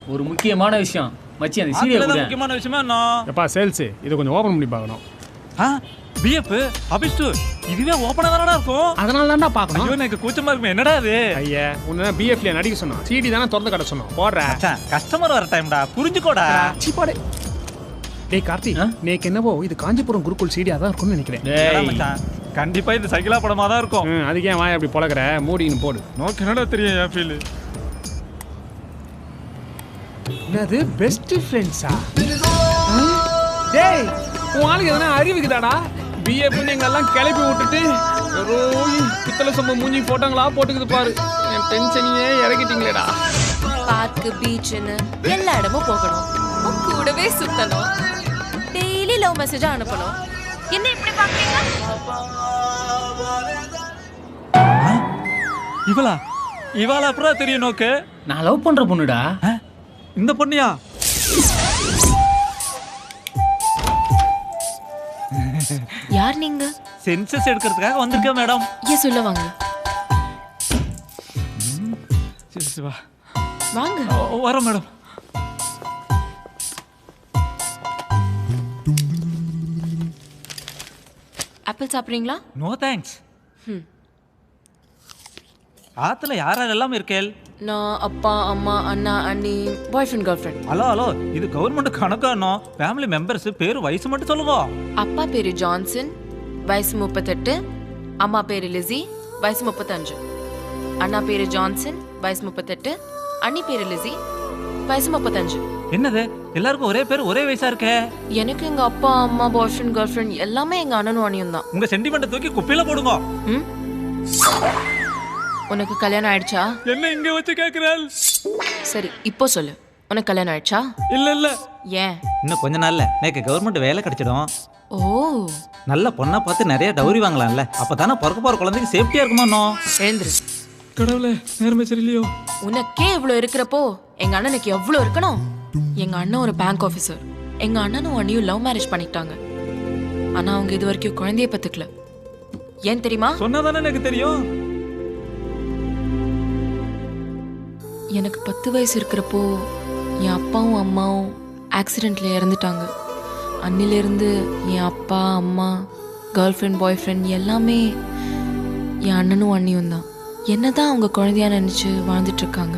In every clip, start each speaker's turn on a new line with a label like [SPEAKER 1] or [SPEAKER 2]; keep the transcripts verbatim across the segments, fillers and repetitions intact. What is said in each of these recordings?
[SPEAKER 1] ஒரு முக்கியமான விஷயம் மச்சி, அந்த சீரியல் கூட
[SPEAKER 2] முக்கியமான விஷயமா என்ன?
[SPEAKER 3] எப்பா சேல்ஸ் இத கொஞ்சம் ஓபன் பண்ணி பார்க்கணும்.
[SPEAKER 2] ஆ பிஎஃப் அபிஸ்டு இதுவே ஓபனா தானடா இருக்கும்.
[SPEAKER 3] அதனால தான்டா பார்க்கணும்.
[SPEAKER 2] ஐயோ எனக்கு கூச்சமா இருக்கு. என்னடா இது?
[SPEAKER 3] ஐயா உன்ன பிஎஃப்ல நடிக்க சொன்னோம். சிடி தான திறந்து கட்ட சொன்னோம். போடுற.
[SPEAKER 2] மச்சான் கஸ்டமர் வர டைம்டா. புரிஞ்சுக்கோடா.
[SPEAKER 3] சி போடு. டேய் கார்த்தி, நேக்கு என்னவோ இது காஞ்சிபுரம் குருகுல் சிடி அதான் இருக்கும்னு நினைக்கிறேன்.
[SPEAKER 2] டேய் மச்சான் கண்டிப்பா இது சைக்கிளா படமா தான் இருக்கும்.
[SPEAKER 3] அதுக்கு ஏன் வாய் அப்படி பொளக்குற? மூடின்னு போடு.
[SPEAKER 2] நோக்கு என்னடா தெரியும் என் ஃபீல்.
[SPEAKER 3] என்னது பெஸ்ட் ஃப்ரெண்ட்ஸா? டேய் உன் ஆளுக்கு எதனா அறிவுக்குதாடா? பிஎஃப் எங்களெல்லாம் கிளப்பி விட்டுட்டு ரோய் பித்தளை சொம்ப மூஞ்சி போட்டாங்களா போட்டுக்குது பாரு. என் டென்ஷனையே இறக்கிட்டீங்களேடா.
[SPEAKER 4] பார்க்கு பீச்னு எல்லா இடமும் போகணும், உன் கூடவே சுத்தணும், டெய்லி லவ் மெசேஜ் அனுப்பணும். என்ன இப்படி பாக்குறீங்க?
[SPEAKER 2] இவளா இவளா அப்புறம் தெரியும் நோக்கு.
[SPEAKER 1] நான் லவ் பண்ற பொண்ணுடா.
[SPEAKER 2] இந்த பொண்ணியா?
[SPEAKER 4] யார் நீங்க?
[SPEAKER 2] சென்சஸ் எடுக்கிறதுக்காக வந்திருக்கேன் மேடம்.
[SPEAKER 4] ஏன் சொல்ல வாங்க
[SPEAKER 2] வா
[SPEAKER 4] வாங்க.
[SPEAKER 2] வரோம் மேடம்.
[SPEAKER 4] ஆப்பிள் சாப்பிட்றீங்களா?
[SPEAKER 2] No thanks. ஆத்துல யார் யாரெல்லாம் இருக்கேள்?
[SPEAKER 4] நான் அப்பா அம்மா அண்ணா அண்ணி boy friend girl friend.
[SPEAKER 2] Hello hello இது கவர்மெண்ட் கணக்கானோ? ஃபேமிலி மெம்பர்ஸ் பேரு வயசு மட்டும் சொல்லுவோம்.
[SPEAKER 4] அப்பா பேரு ஜான்சன், வயசு முப்பத்தெட்டு. அம்மா பேரு லிசி, வயசு முப்பத்தஞ்சு. அண்ணா பேரு ஜான்சன், வயசு முப்பத்தெட்டு. அண்ணி பேரு லிசி, வயசு முப்பத்தஞ்சு.
[SPEAKER 2] என்னது எல்லாருக்கும் ஒரே பேர் ஒரே வயசா இருக்கே?
[SPEAKER 4] எனக்கு எங்க அப்பா அம்மா பாய் ஃப்ரெண்ட் கேர்ள் ஃப்ரெண்ட் எல்லாமே எங்க அண்ணனும் அண்ணியும் தான்.
[SPEAKER 2] உங்க சென்டிமெண்ட் தூக்கி குப்பையில போடுங்க.
[SPEAKER 4] ம் உனக்கு கல்யாணம் ஆயிடுச்சா?
[SPEAKER 2] என்ன இங்க வச்சு கேக்குறாள்?
[SPEAKER 4] சரி இப்போ சொல்லு, உனக்கு கல்யாணம் ஆயிடுச்சா?
[SPEAKER 2] இல்ல இல்ல.
[SPEAKER 4] ஏன்?
[SPEAKER 2] இன்னும் கொஞ்ச நாள்ல எனக்கு கவர்மெண்ட் வேலை கிடைச்சிடும்.
[SPEAKER 4] ஓ
[SPEAKER 2] நல்ல பொண்ணா பார்த்து நிறைய டவுரி வாங்கலாம்ல. அப்பதானே பிறக்க போற குழந்தைக்கு சேஃப்டியா இருக்குமா?
[SPEAKER 4] எழுந்துரு.
[SPEAKER 2] கடவுளே நேர்மை சரியில்லையோ.
[SPEAKER 4] உனக்கே இவ்வளவு இருக்கிறப்போ எங்க அண்ணனுக்கு எவ்வளவு இருக்கணும்? எங்க அண்ணன் ஒரு பேங்க் ஆபீசர். எங்க அண்ணனும் அண்ணியும் லவ் மேரேஜ் பண்ணிட்டாங்க. ஆனா அவங்க இது வரைக்கும் குழந்தைய பத்துக்கல. ஏன் தெரியுமா?
[SPEAKER 2] சொன்னாதானே எனக்கு தெரியும்.
[SPEAKER 4] எனக்கு பத்து வயசு இருக்கிறப்போ என் அப்பாவும் அம்மாவும் ஆக்சிடெண்ட்ல இறந்துட்டாங்க. அன்னிலிருந்து என் அப்பா அம்மா கேர்ள் ஃப்ரெண்ட் பாய் ஃப்ரெண்ட் எல்லாமே என் அண்ணனும் அண்ணியும் தான். என்னதான் அவங்க குழந்தையா நினைச்சு வாழ்ந்துட்டு இருக்காங்க.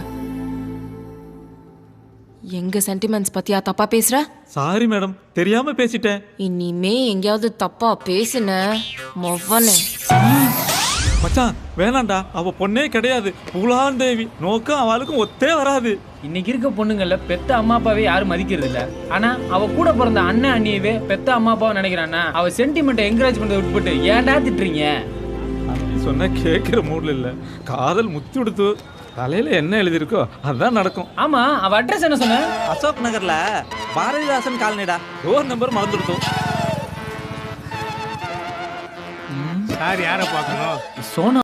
[SPEAKER 4] எங்க சென்டிமெண்ட்ஸ் பத்தியா தப்பா பேசுற?
[SPEAKER 2] சாரி மேடம், தெரியாம பேசிட்டேன்.
[SPEAKER 4] இனிமே எங்கேயாவது தப்பா பேசுன மொவனே.
[SPEAKER 2] மச்சான் வேணாண்டா, அவ பொண்ணே கிடையாது. புலான் தேவி நோக்கம் அவளுக்கும் ஒத்தே வராது.
[SPEAKER 1] இன்னைக்கு இருக்க பொண்ணுங்கள்ல பெத்த அம்மா அப்பாவே யாரும் மதிக்கிறது இல்ல. ஆனா அவ கூட பிறந்த அண்ணன் அண்ணியவே பெத்த அம்மா அப்பாவை நினைக்கிறான்னா அவ சென்டிமெண்ட்டை என்கரேஜ் பண்றதை விட்டுவிட்டு ஏன்டா திட்டுறீங்க?
[SPEAKER 2] அப்படி சொன்னா கேட்கிற மூட்ல இல்ல. காதல் முத்தி விடுத்து தலையில என்ன எழுதிருக்கோ அதுதான் நடக்கும்.
[SPEAKER 1] ஆமா, அவ அட்ரஸ் என்ன சொன்ன?
[SPEAKER 2] அசோக் நகர்ல பாரதிதாசன் காலனிடா. டோர் நம்பர் மறந்துடுத்தோம்.
[SPEAKER 3] சார் யாரை பார்க்கணும்?
[SPEAKER 1] சோனா